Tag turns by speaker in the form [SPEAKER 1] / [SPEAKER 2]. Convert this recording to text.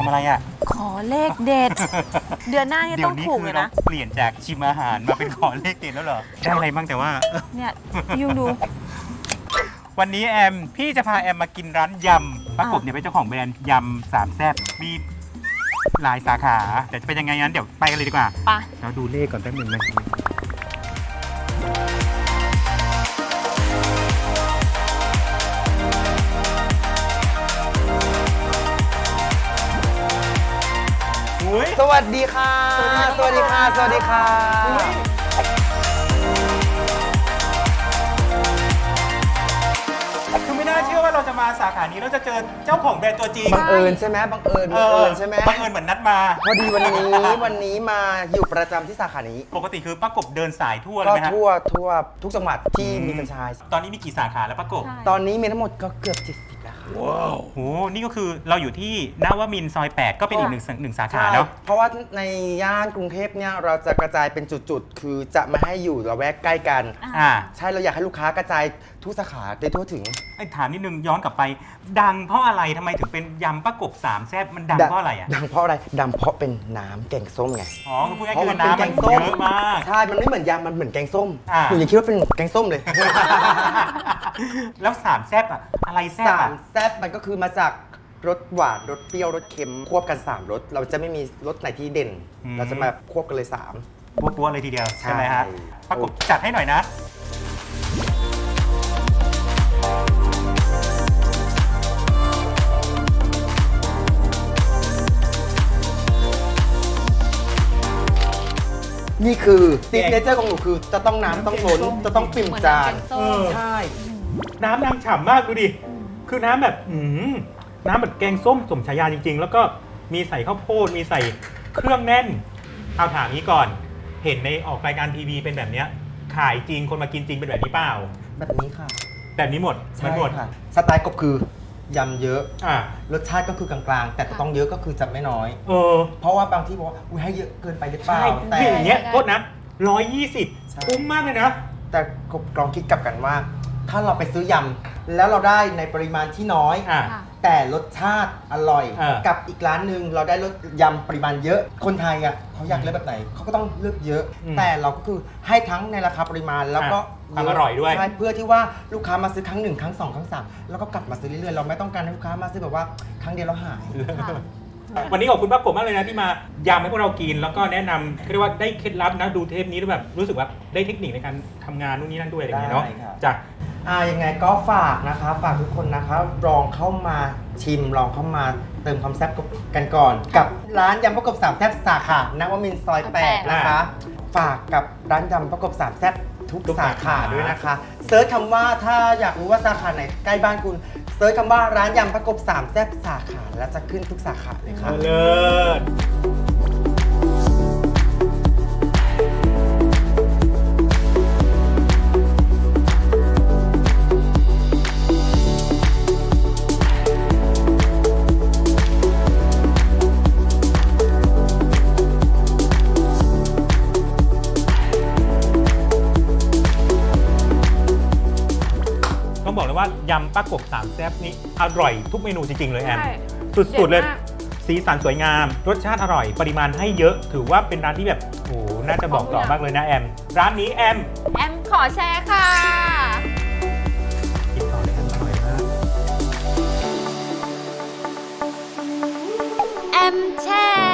[SPEAKER 1] ำอะไรอ่ะ
[SPEAKER 2] ขอเลขเด็ด เดือนหน้านี่ต้องถูกเลยนะ
[SPEAKER 1] เปลี่ยนจากชิมอาหารมาเป็นขอเลขเด็ดแล้วเหรอได้อะไรบ้างแต่ว่า
[SPEAKER 2] เนี่ยยูดู
[SPEAKER 1] วันนี้แอมพี่จะพาแอมมากินร้านยำป้ากบเนี่ยเป็นเจ้าของแบรนด์ยำสามแซ่บมีหลายสาขาแต่จะเป็นยังไงงั้นเดี๋ยวไปกันเลยดีกว่า
[SPEAKER 2] ไป
[SPEAKER 1] เราดูเลขก่อนแป๊บหนึงนะอุ้ย
[SPEAKER 3] สวัสดีค่ะ สวัสดีค่ะ สวัสดีค่ะ
[SPEAKER 1] คือไม่น่าเชื่อว่าเราจะมาสาขานี้เราจะเจอเจ้าของแบรนด์ตัวจริง
[SPEAKER 3] บังเอิญใช่ไหมบังเอิญใช่ไหม
[SPEAKER 1] บังเอิญเหมือนนัดมา
[SPEAKER 3] พอดีวันนี้มาอยู่ประจำที่สาขานี้
[SPEAKER 1] ปกติคือป้ากบเดินสายทั่วเล
[SPEAKER 3] ก็
[SPEAKER 1] ยไหมฮะ
[SPEAKER 3] ทั่วทุกจังหวัดที่มีแฟรนไชส์
[SPEAKER 1] ตอนนี้มีกี่สาขาแล้วป้ากบ
[SPEAKER 2] ใช่
[SPEAKER 3] ตอนนี้มีทั้งหมดก็เกือบ70แล้วค่ะ
[SPEAKER 1] โหนี่ก็คือเราอยู่ที่นวมินทร์ซอย 8 ก็เป็นอีกหนึ่งสาขาเนาะ
[SPEAKER 3] เพราะว่าในย่านกรุงเทพเนี่ยเราจะกระจายเป็นจุดๆ คือจะไม่ให้อยู่ระแวกใกล้กัน
[SPEAKER 1] อ่า
[SPEAKER 3] ใช่เราอยากให้ลูกค้ากระจายทุกสาขาได้ทั่วถึง
[SPEAKER 1] ไอ้ถามนิดนึงย้อนกลับไป ดังเพราะอะไรทำไมถึงเป็นยำป้ากบสามแซ่บมันดังเพราะอะไรอ่ะ
[SPEAKER 3] ดังเพราะอะไรดังเพราะเป็นน้ำแกงส้มไง
[SPEAKER 1] อ๋อคือพูดง่าย
[SPEAKER 3] เพ
[SPEAKER 1] ๆ
[SPEAKER 3] ราะ
[SPEAKER 1] คื
[SPEAKER 3] มั
[SPEAKER 1] อน น้ำ
[SPEAKER 3] เป็
[SPEAKER 1] มัน
[SPEAKER 3] นแกงส้ม
[SPEAKER 1] เยอะมาก
[SPEAKER 3] ใช่ มันไม่เหมือนยำมันเหมือนแกงส้ม
[SPEAKER 1] อ่า
[SPEAKER 3] หนูยังคิดว่าเป็นแกงส้มเลย
[SPEAKER 1] แล้วสามแซ่บอ่ะอะไรแซ่บ
[SPEAKER 3] สา
[SPEAKER 1] อ่ะ
[SPEAKER 3] มแซ่บมันก็คือมาจากรสหวานรสเปรี้ยวรสเค็มควบกัน3รสเราจะไม่มีรสไหนที่เด่น เราจะมาควบกันเลย3
[SPEAKER 1] ปัวๆเลยทีเดียว
[SPEAKER 3] ใช่
[SPEAKER 1] ใช่ไหมฮะป้ากบจัดให้หน่อยนะ
[SPEAKER 3] นี่คือซิกเนเจอร์ของหนูคือจะต้องน้ำต้องล้นจะต้องปิ่มจาน
[SPEAKER 2] เหมือนน้ำแกงส้ม
[SPEAKER 3] ใช่
[SPEAKER 1] น้ำนางฉ่ำมากดูดิ คือน้ำแบบน้ำแบบแกงส้มสมฉายาจริง ๆ แล้วก็มีใส่ข้าวโพด มีใส่เครื่องแน่น เอาถามนี้ก่อน เห็นในออกรายการทีวีเป็นแบบเนี้ยขายจริง คนมากินจริงเป็นแบบนี้เปล่า
[SPEAKER 3] แบบนี้ค่ะ
[SPEAKER 1] แบบนี้หมดมันหมด
[SPEAKER 3] ค่ะสไตล์กบคือยำเยอะ
[SPEAKER 1] อ่ะ
[SPEAKER 3] รสชาติก็คือกลางๆ แต่ต้องเยอะก็คือจะไม่น้อย
[SPEAKER 1] เออ
[SPEAKER 3] เพราะว่าบางที่บอกว่าอุ้ยให้เยอะเกินไปหรือเปล่า
[SPEAKER 1] ใช่
[SPEAKER 3] แต่
[SPEAKER 1] ที่อย่างเงี้ยโทษนะ
[SPEAKER 3] ใช่
[SPEAKER 1] 120 คุ้มมากเลยนะ
[SPEAKER 3] แต่กบลองคิดกลับกันว่า ถ้าเราไปซื้อยำแล้วเราได้ในปริมาณที่น้อย
[SPEAKER 1] อ่ะ
[SPEAKER 2] ค่ะ
[SPEAKER 3] แต่รสชาติอร่อย
[SPEAKER 1] เออ
[SPEAKER 3] กับอีกร้านหนึ่งเราได้รสยำปริมาณเยอะ คนไทยอ่ะเขาอยากเลือกแบบไหนเขาก็ต้องเลือกเยอะ แต่เราก็คือให้ทั้งในราคาปริมาณแล้วก็
[SPEAKER 1] ความอร่อยด้วย
[SPEAKER 3] ใช่เพื่อที่ว่าลูกค้ามาซื้อครั้ง1ครั้ง2ครั้ง3แล้วก็กลับมาซื้อเรื่อยๆเราไม่ต้องการให้ลูกค้ามาซื้อแบบว่าครั้งเดียวแล้วหาย
[SPEAKER 2] ค่ะ
[SPEAKER 1] วันนี้ขอบคุณป้ากบมากเลยนะที่มายำให้พวกเรากิน แล้วก็แนะนำเรียกว่าได้เคล็ดลับนะดูเทปนี้แล้วแบบรู้สึกว่าได้เทคนิคในการทำงานนู่นนี่นั่นด้วยอะไรอย่างเงี้ยเนาะ
[SPEAKER 3] ได้ครับ
[SPEAKER 1] จ้ะ
[SPEAKER 3] ยังไงก็ฝากนะคะฝากทุกคนนะคะลองเข้ามาชิมลองเข้ามาเติมความแซ่บกันก่อน กับร้านยำประกบสามแซ่บสาขานวมินทร์ซอย 8 นะคะ ฝากกับร้านยำประกบสามแซ่บทุกสาขาด้วยนะคะเซิร์ชคำว่าถ้าอยากรู้ว่าสาขาไหนใกล้บ้านคุณเซิร์ชคำว่าร้านยำประกบสามแซ่บสาขาแล้วจะขึ้นทุกสาขาเลยค่ะ
[SPEAKER 1] เลิศต้องบอกเลยว่ายำป้ากบสามแซ่บนี่อร่อยทุกเมนูจริง ๆ เลยแอน
[SPEAKER 2] ใช่
[SPEAKER 1] สุด ๆ เลย
[SPEAKER 2] เด็ดมาก
[SPEAKER 1] สีสันสวยงาม รสชาติอร่อย ปริมาณให้เยอะ ถือว่าเป็นร้านที่แบบโอ้โหน่าจะบอกต่อมากเลยนะแอม ร้านนี้แอม
[SPEAKER 2] แอมขอแชร์ค่ะ
[SPEAKER 1] กินต่อเลยแอมอร่อยมาก
[SPEAKER 2] แอมแชร์